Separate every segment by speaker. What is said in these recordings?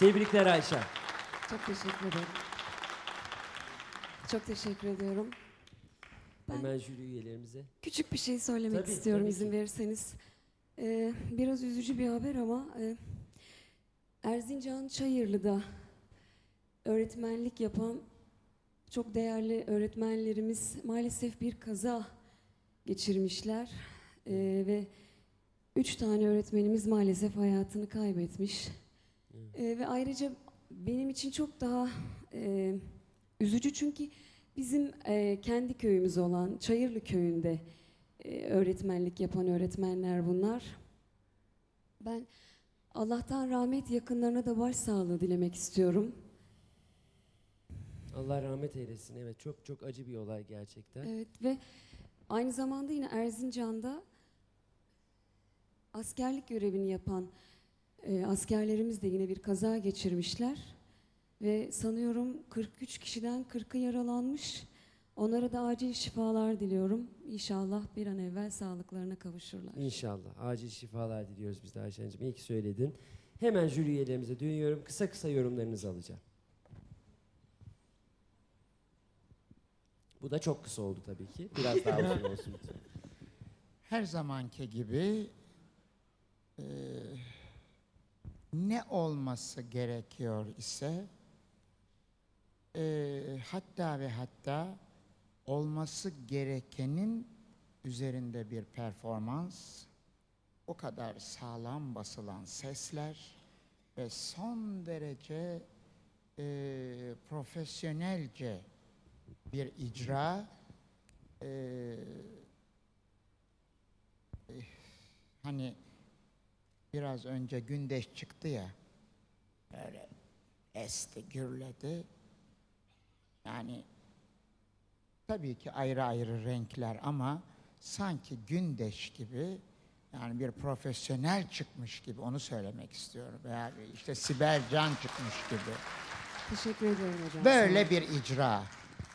Speaker 1: Tebrikler Ayşe.
Speaker 2: Çok teşekkür ederim. Çok teşekkür ediyorum. Ben
Speaker 1: Hemen jüri üyelerimize.
Speaker 2: küçük bir şey söylemek
Speaker 1: Tabii,
Speaker 2: istiyorum
Speaker 1: tabii
Speaker 2: izin
Speaker 1: ki.
Speaker 2: verirseniz. Biraz üzücü bir haber ama Erzincan Çayırlı'da öğretmenlik yapan çok değerli öğretmenlerimiz maalesef bir kaza geçirmişler. Ve 3 tane öğretmenimiz maalesef hayatını kaybetmiş. Ve ayrıca benim için çok daha üzücü çünkü bizim kendi köyümüz olan Çayırlı köyünde öğretmenlik yapan öğretmenler bunlar. Ben Allah'tan rahmet, yakınlarına da başsağlığı dilemek istiyorum.
Speaker 1: Allah rahmet eylesin. Evet, çok çok acı bir olay gerçekten.
Speaker 2: Evet ve aynı zamanda yine Erzincan'da askerlik görevini yapan askerlerimiz de yine bir kaza geçirmişler. Ve sanıyorum 43 kişiden 40'ı yaralanmış. Onlara da acil şifalar diliyorum. İnşallah bir an evvel sağlıklarına kavuşurlar.
Speaker 1: İnşallah. Acil şifalar diliyoruz biz de Ayşen'cim. İyi ki söyledin. Hemen jüri üyelerimize dönüyorum. Kısa kısa yorumlarınızı alacağım. Bu da çok kısa oldu tabii ki. Biraz daha uzun olsun lütfen.
Speaker 3: Her zamanki gibi ne olması gerekiyor ise hatta ve hatta olması gerekenin üzerinde bir performans, o kadar sağlam basılan sesler ve son derece profesyonelce bir icra, hani biraz önce Gündeş çıktı ya, böyle esti, gürledi. Yani tabii ki ayrı ayrı renkler ama sanki Gündeş gibi, yani bir profesyonel çıkmış gibi, onu söylemek istiyorum. Veya işte Sibel Can çıkmış gibi.
Speaker 2: Teşekkür ederim hocam.
Speaker 3: Böyle bir icra.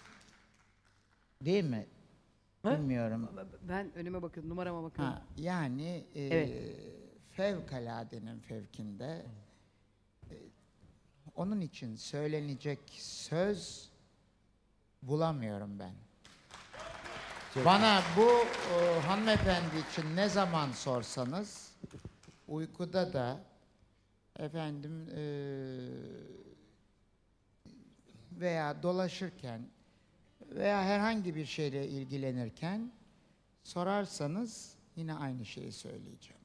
Speaker 3: Değil mi?
Speaker 1: Ha?
Speaker 3: Bilmiyorum.
Speaker 4: Ben önüme bakıyorum, numarama bakıyorum.
Speaker 3: Ha, yani
Speaker 4: Evet.
Speaker 3: fevkaladenin fevkinde, onun için söylenecek söz bulamıyorum ben.
Speaker 1: Çok
Speaker 3: Bana bu hanımefendi için ne zaman sorsanız, uykuda da efendim veya dolaşırken veya herhangi bir şeyle ilgilenirken sorarsanız yine aynı şeyi söyleyeceğim.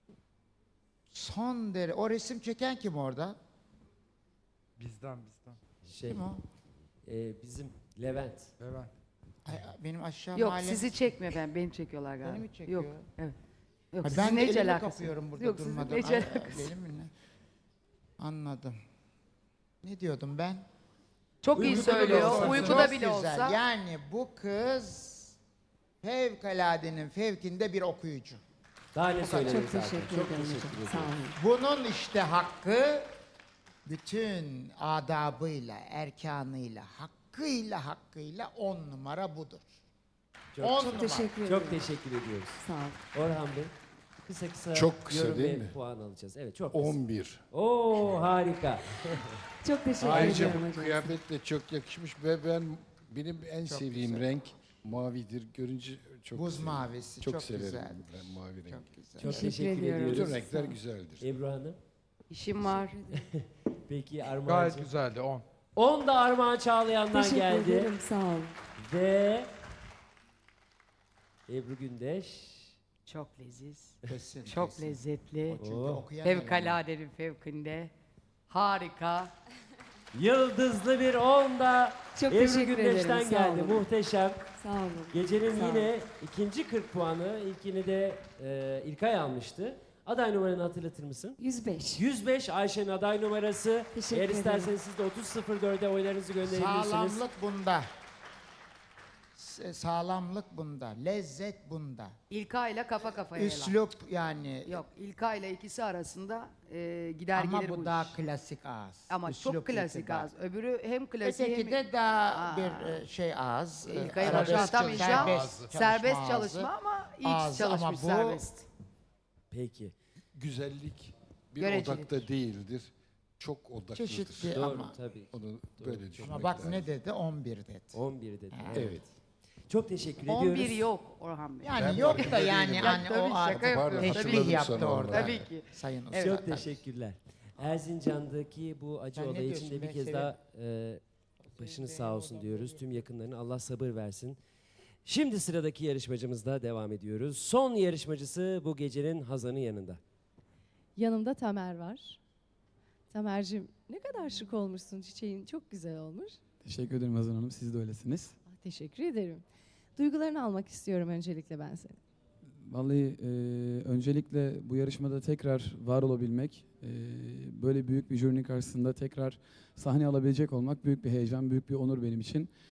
Speaker 3: Son derece... O resim çeken kim orada?
Speaker 5: Bizden.
Speaker 1: Şey,
Speaker 3: Kim o?
Speaker 1: bizim Levent.
Speaker 5: Evet.
Speaker 3: Ay, benim aşağı
Speaker 4: Yok,
Speaker 3: mahalle...
Speaker 4: sizi çekmiyor efendim, beni çekiyorlar galiba.
Speaker 3: Beni mi çekiyor?
Speaker 4: Yok, evet. Yok,
Speaker 3: Ha,
Speaker 4: sizin
Speaker 3: ben
Speaker 4: ne hiç
Speaker 3: elimi
Speaker 4: alakası
Speaker 3: kapıyorum burada
Speaker 4: Yok, sizin
Speaker 3: durmadan.
Speaker 4: hiç
Speaker 3: Ay,
Speaker 4: alakası
Speaker 3: benim mi ne? Anladım. Ne diyordum ben?
Speaker 4: Çok iyi
Speaker 1: Uykuda bile
Speaker 4: söylüyor,
Speaker 1: olsa.
Speaker 4: uykuda
Speaker 3: Çok
Speaker 4: bile
Speaker 3: güzel.
Speaker 4: olsa.
Speaker 3: Yani bu kız fevkaladenin fevkinde bir okuyucu.
Speaker 1: Daha ne
Speaker 2: Çok
Speaker 1: söylenir zaten.
Speaker 2: teşekkür
Speaker 1: Çok
Speaker 2: ederim
Speaker 1: teşekkür
Speaker 2: hocam.
Speaker 1: ederim.
Speaker 2: Sağ olun.
Speaker 3: Bunun işte hakkı bütün adabıyla, erkanıyla, hakkıyla 10 numara budur.
Speaker 1: Çok-
Speaker 3: 10
Speaker 1: çok
Speaker 3: numara.
Speaker 2: Teşekkür ederim.
Speaker 1: Çok teşekkür ediyoruz.
Speaker 2: Sağ olun.
Speaker 1: Orhan Bey, kısa
Speaker 6: Çok kısa
Speaker 1: yorum
Speaker 6: değil
Speaker 1: ve
Speaker 6: mi?
Speaker 1: puan alacağız. Evet, çok kısa.
Speaker 6: 11.
Speaker 1: Oo, harika.
Speaker 2: Çok teşekkür
Speaker 6: Ayrıca
Speaker 2: ediyorum
Speaker 6: bu
Speaker 2: hocam.
Speaker 6: kıyafet de çok yakışmış ve benim en sevdiğim
Speaker 3: güzel.
Speaker 6: renk mavidir. Görünce çok
Speaker 3: Buz
Speaker 6: severim.
Speaker 3: mavisi
Speaker 6: çok,
Speaker 3: çok
Speaker 6: severim
Speaker 3: güzeldir.
Speaker 6: ben mavi rengi.
Speaker 3: Çok güzel.
Speaker 1: Çok
Speaker 2: Teşekkür
Speaker 1: teşekkür
Speaker 2: ediyorum.
Speaker 1: ediyoruz.
Speaker 6: Bütün renkler
Speaker 2: Sağ ol.
Speaker 6: güzeldir.
Speaker 1: Ebru Hanım.
Speaker 4: İşim var.
Speaker 1: Peki
Speaker 5: Gayet
Speaker 1: Armağan'cığım.
Speaker 5: güzeldi 10.
Speaker 1: 10 da Armağan Çağlayan'dan
Speaker 2: Teşekkür
Speaker 1: geldi.
Speaker 2: ederim. Sağ olun.
Speaker 1: Ve Ebru Gündeş.
Speaker 4: Çok leziz,
Speaker 3: Kesin,
Speaker 4: çok
Speaker 3: kesin.
Speaker 4: lezzetli.
Speaker 3: Çünkü
Speaker 1: Oo.
Speaker 3: okuyan eleman.
Speaker 4: Fevkaladenin fevkinde. Harika.
Speaker 1: Yıldızlı bir 10 da
Speaker 2: Çok
Speaker 1: Ebru
Speaker 2: teşekkür
Speaker 1: Gündeş'ten
Speaker 2: ederim, sağ
Speaker 1: geldi.
Speaker 2: olun.
Speaker 1: Muhteşem.
Speaker 2: Sağ olun.
Speaker 1: Gecenin
Speaker 2: Sağ
Speaker 1: yine ikinci 40 puanı. İlkini de İlkay almıştı. Aday numaranı hatırlatır mısın?
Speaker 2: 105.
Speaker 1: 105 Ayşe'nin aday numarası.
Speaker 2: Teşekkür
Speaker 1: Eğer
Speaker 2: ederim.
Speaker 1: isterseniz siz de 30.04'e oylarınızı gönderebilirsiniz.
Speaker 3: Sağlamlık bunda. Sağlamlık bunda. Lezzet bunda.
Speaker 4: İlka ile kafa kafaya.
Speaker 3: Üslup yani.
Speaker 4: Yok, İlka ile ikisi arasında gider
Speaker 3: Ama
Speaker 4: gelir
Speaker 3: bu
Speaker 4: bu
Speaker 3: daha
Speaker 4: iş.
Speaker 3: klasik ağız.
Speaker 4: Ama
Speaker 3: Üslup
Speaker 4: çok klasik
Speaker 3: itibar.
Speaker 4: az. Öbürü hem klasik
Speaker 3: Öteki
Speaker 4: hem...
Speaker 3: de daha
Speaker 4: Aa.
Speaker 3: bir şey ağız.
Speaker 4: İlkay'ı
Speaker 3: arabesk
Speaker 4: boşaltamayacağım. Serbest
Speaker 3: ağzı.
Speaker 4: çalışma ama iyi
Speaker 3: Ağzı ama
Speaker 4: çalışmış
Speaker 3: bu-
Speaker 4: serbest.
Speaker 1: Peki.
Speaker 6: Güzellik bir
Speaker 4: Görecelidir.
Speaker 6: odakta değildir. çok odaklıdır.
Speaker 3: Çeşitli
Speaker 1: Doğru
Speaker 3: ama.
Speaker 1: tabii.
Speaker 6: Onu böyle düşünmek
Speaker 3: Ama bak
Speaker 6: lazım.
Speaker 3: ne dedi? 11 dedi.
Speaker 1: 11 dedi.
Speaker 3: Ha.
Speaker 6: Evet.
Speaker 1: Çok teşekkür
Speaker 4: 11
Speaker 1: ediyoruz.
Speaker 4: yok Orhan Bey.
Speaker 3: Yani
Speaker 6: Ben
Speaker 3: yok da
Speaker 6: farkında
Speaker 3: yani
Speaker 6: değilim.
Speaker 3: hani
Speaker 4: Tabii,
Speaker 3: o
Speaker 4: şaka
Speaker 3: artık
Speaker 4: yapıyorum.
Speaker 6: Pardon,
Speaker 3: teşbih
Speaker 6: hatırladım
Speaker 3: yaptı
Speaker 6: sonra
Speaker 3: orada.
Speaker 4: Tabii ki.
Speaker 3: Sayın Usta.
Speaker 4: Evet.
Speaker 1: Çok teşekkürler. Erzincan'daki bu acı
Speaker 3: Sen ne
Speaker 1: olay için
Speaker 3: diyorsun?
Speaker 1: de bir
Speaker 3: Ben
Speaker 1: kez
Speaker 3: severim.
Speaker 1: daha başınız sağ olsun diyoruz. Tüm yakınlarına Allah sabır versin. Şimdi sıradaki yarışmacımızla devam ediyoruz. Son yarışmacısı bu gecenin Hazan'ın yanında.
Speaker 7: Yanımda Tamer var. Tamer'cim ne kadar şık olmuşsun, çiçeğin çok güzel olmuş.
Speaker 8: Teşekkür ederim Hazan Hanım. Siz de öylesiniz.
Speaker 7: Teşekkür ederim. Duygularını almak istiyorum öncelikle ben senin.
Speaker 8: Vallahi öncelikle bu yarışmada tekrar var olabilmek, böyle büyük bir jürinin karşısında tekrar sahne alabilecek olmak büyük bir heyecan, büyük bir onur benim için.